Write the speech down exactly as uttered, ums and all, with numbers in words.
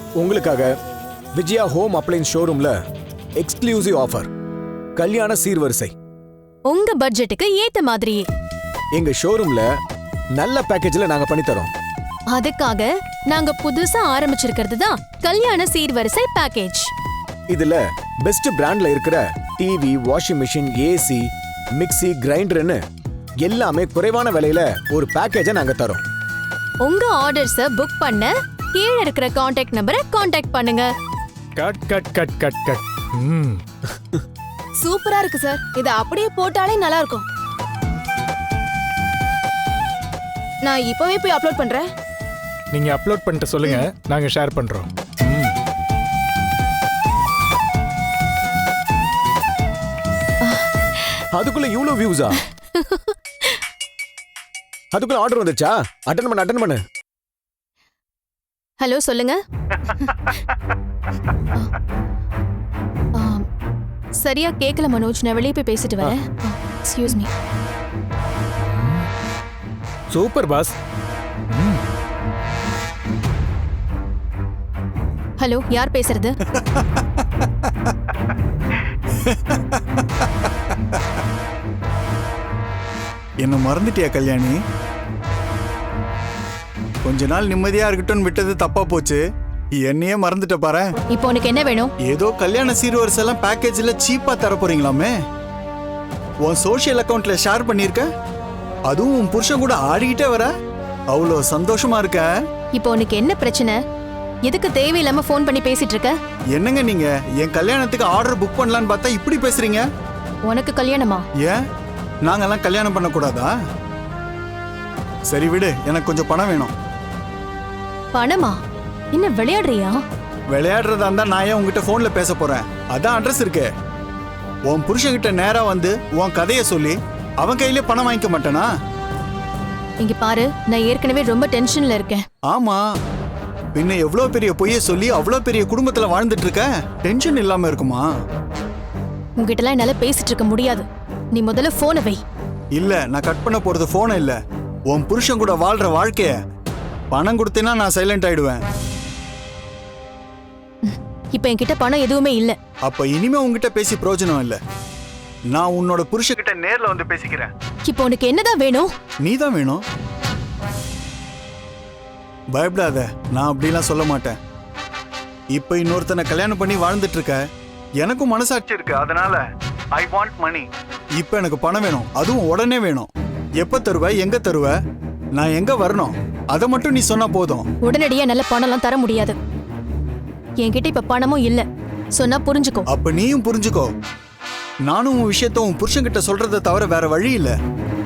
உங்களுக்காக Vijaya home appliances ஷோரூம்ல exclusive offer, கல்யாண சீர்வரிசை. உங்க பட்ஜெட்டுக்கு ஏத்த மாதிரியே எங்க ஷோரூம்ல நல்ல பேக்கேஜ்ல நாங்க பண்ணி தரோம். அதுக்காக நாங்க புதுசா ஆரம்பிச்சிருக்கிறது தான் கல்யாண சீர்வரிசை பேக்கேஜ். இதுல பெஸ்ட் பிராண்ட்ல இருக்கிற TV, washing machine, AC, mixie, கிரைண்டர்னு எல்லாமே குறைவான விலையில ஒரு பேக்கேஜை நாங்க தரோம். உங்க ஆர்டர்ஸ புக் பண்ண கீழ இருக்கிற கான்டாக்ட் நம்பரை கான்டாக்ட் பண்ணுங்க. Cut cut cut cut cut. ம். சூப்பரா இருக்கு சார். இத அப்படியே போட்டாலே நல்லா இருக்கும். நான் இப்பவே போய் அப்லோட் பண்றேன். நீங்க அப்லோட் பண்ணிட்டு சொல்லுங்க, நாங்க ஷேர் பண்றோம். ம். அதுக்குள்ள இவ்வளவு வியூஸா? அதுக்குள்ள ஆர்டர் வந்துச்சா? அட்டெண்ட் பண்ணு அட்டெண்ட் பண்ணு. ஹலோ, சொல்லுங்க. ஆ, சரியா கேக்கல மனோஜ், நான் வெளியே போய் பேசிட்டு வரேன். Excuse me. Super boss. Hello, யார் பேசுறது? என்ன மறந்துட்டியா கல்யாணி? கொஞ்ச நாள் நிம்மதியா இருக்கட்டும் விட்டது தப்பா போச்சு. என்னையே மறந்துட்ட பாரு. இப்போ உனக்கு என்ன வேணும்? ஏதோ கல்யாண சீர்வரிசை எல்லாம் பேக்கேஜ்ல சீப்பா தர போறீங்களாமே. உன் சோஷியல் அக்கவுண்ட்ல ஷேர் பண்ணிருக்க, அதுவும் உன் புருஷன் கூட ஆடிக்கிட்டே வர. அவ்வளோ சந்தோஷமா இருக்க. இப்போ உனக்கு என்ன பிரச்சனை? எதுக்கு தேவையில்லாம ஃபோன் பண்ணி பேசிட்டு இருக்க? என்னங்க நீங்க என் கல்யாணத்துக்கு ஆர்டர் புக் பண்ணலான்னு பார்த்தா இப்படி பேசுறீங்க. உனக்கு கல்யாணமா? ஏன் நாங்கெல்லாம் கல்யாணம் பண்ண கூடாதா? சரி விடு, எனக்கு கொஞ்சம் பணம் வேணும். பணமா? என்ன விளையாடுறியா? விளையாடுறதா இருந்தா நான் ஏன் உங்ககிட்ட போன்ல பேச போறேன்? அதான் அட்ரஸ் இருக்கு. உன் புருஷன்கிட்ட நேரா வந்து உன் கதைய சொல்லி அவன் கையிலே பணம் வாங்கிக்க மாட்டேனா? இங்க பாரு, நான் ஏற்கனவே ரொம்ப டென்ஷன்ல இருக்கேன். ஆமா, பின்ன எவ்வளவு பெரிய பொய்ய சொல்லி அவ்வளவு பெரிய குடும்பத்துல வாழ்ந்துட்டு இருக்க, டென்ஷன் இல்லாம இருக்குமா? உங்ககிட்ட எல்லாம் என்னால பேசிட்டு இருக்க முடியாது. நீ முதல்ல போனை வை. இல்ல, நான் கட் பண்ண போறது போன இல்ல, உன் புருஷன் கூட வாழ்ற வாழ்க்கைய. பணம் கொடுத்தேன்னா நான் சைலண்ட் ஆயிடுவேன். இப்ப என்கிட்ட பணம் எதுவுமே இல்ல. அப்ப இனிமே உங்ககிட்ட பேசி பிரயோஜனம் இல்ல. நான் உன்னோட புருஷன்கிட்ட நேர்ல வந்து பேசிக்கிறேன். இப்போ உனக்கு என்னதான் வேணும்? நீதான் வேணும். பயப்படாத, நான் அப்படிலாம் சொல்ல மாட்டேன். இப்ப இன்னொருத்தனை கல்யாணம் பண்ணி வாழ்ந்துட்டு இருக்க, எனக்கும் மனசாட்சி இருக்கு. அதனால ஐ வாண்ட் மணி. இப்ப எனக்கு பணம் வேணும், அதுவும் உடனே வேணும். எப்ப தருவ, எங்க தருவ, நான் எங்க வரணும், அதை மட்டும் நீ சொன்னா போதும். உடனடியா நல்ல பணம்லாம் தர முடியாது. என்கிட்ட இப்ப பணமும் இல்ல. சொன்னா புரிஞ்சுக்கோ. அப்ப நீயும் புரிஞ்சுக்கோ. நானும் உன் விஷயத்த உன் புருஷன்கிட்ட சொல்றதை தவிர வேற வழி இல்ல.